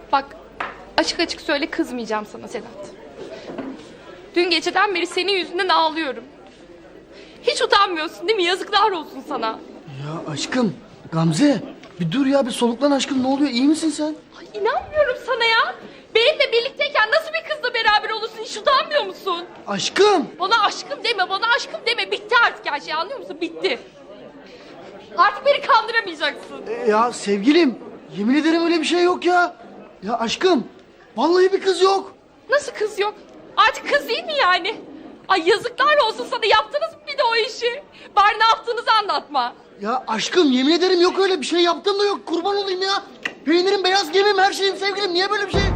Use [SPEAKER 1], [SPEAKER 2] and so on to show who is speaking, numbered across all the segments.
[SPEAKER 1] Bak, açık açık söyle, kızmayacağım sana Sedat. Dün geceden beri senin yüzünden ağlıyorum. Hiç utanmıyorsun değil mi? Yazıklar olsun sana.
[SPEAKER 2] Ya aşkım, Gamze bir dur ya, bir soluklan aşkım, ne oluyor, iyi misin sen?
[SPEAKER 1] Ay, inanmıyorum sana ya. Benimle birlikteyken nasıl bir kızla beraber olursun? Hiç utanmıyor musun?
[SPEAKER 2] Aşkım!
[SPEAKER 1] Bana aşkım deme, bana aşkım deme. Bitti artık her şey, anlıyor musun? Bitti. Artık beni kandıramayacaksın.
[SPEAKER 2] Ya sevgilim, yemin ederim öyle bir şey yok ya. Ya aşkım, vallahi bir kız yok.
[SPEAKER 1] Nasıl kız yok? Artık kız değil mi yani? Ay yazıklar olsun sana, yaptınız mı bir de o işi? Bari ne yaptığınızı anlatma.
[SPEAKER 2] Ya aşkım, yemin ederim yok öyle bir şey, yaptığım da yok, kurban olayım ya. Peynirim, beyaz gemim, her şeyim sevgilim, niye böyle bir şey?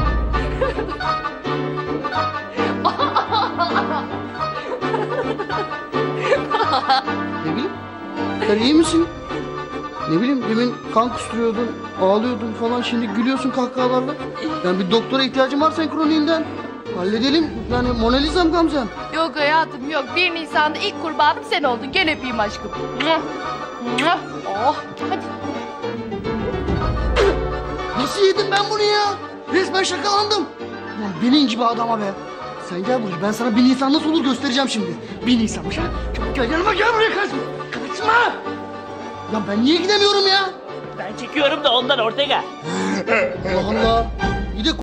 [SPEAKER 2] Ne bileyim, sen iyi misin? Ne bileyim, demin kan kusturuyordun, ağlıyordun falan, şimdi gülüyorsun kahkahalarla. Yani bir doktora ihtiyacım var senin kroniğinden. Halledelim, yani Mona Lisa'm Gamze'm.
[SPEAKER 1] Yok hayatım yok. 1 Nisan'da ilk kurbanım sen oldun. Gel öpeyim aşkım. Oh, hadi.
[SPEAKER 2] Nasıl yedim ben bunu ya? Resmen şakalandım. Ulan benim gibi adama be. Sen gel buraya, ben sana 1 Nisan nasıl olur göstereceğim şimdi. 1 Nisan'mış ha. Çabuk gel yanıma, gel buraya, kaçma. Kaçma. Ya ben niye gidemiyorum ya?
[SPEAKER 3] Ben çekiyorum da ondan Ortega.
[SPEAKER 2] Allah Allah. Bir de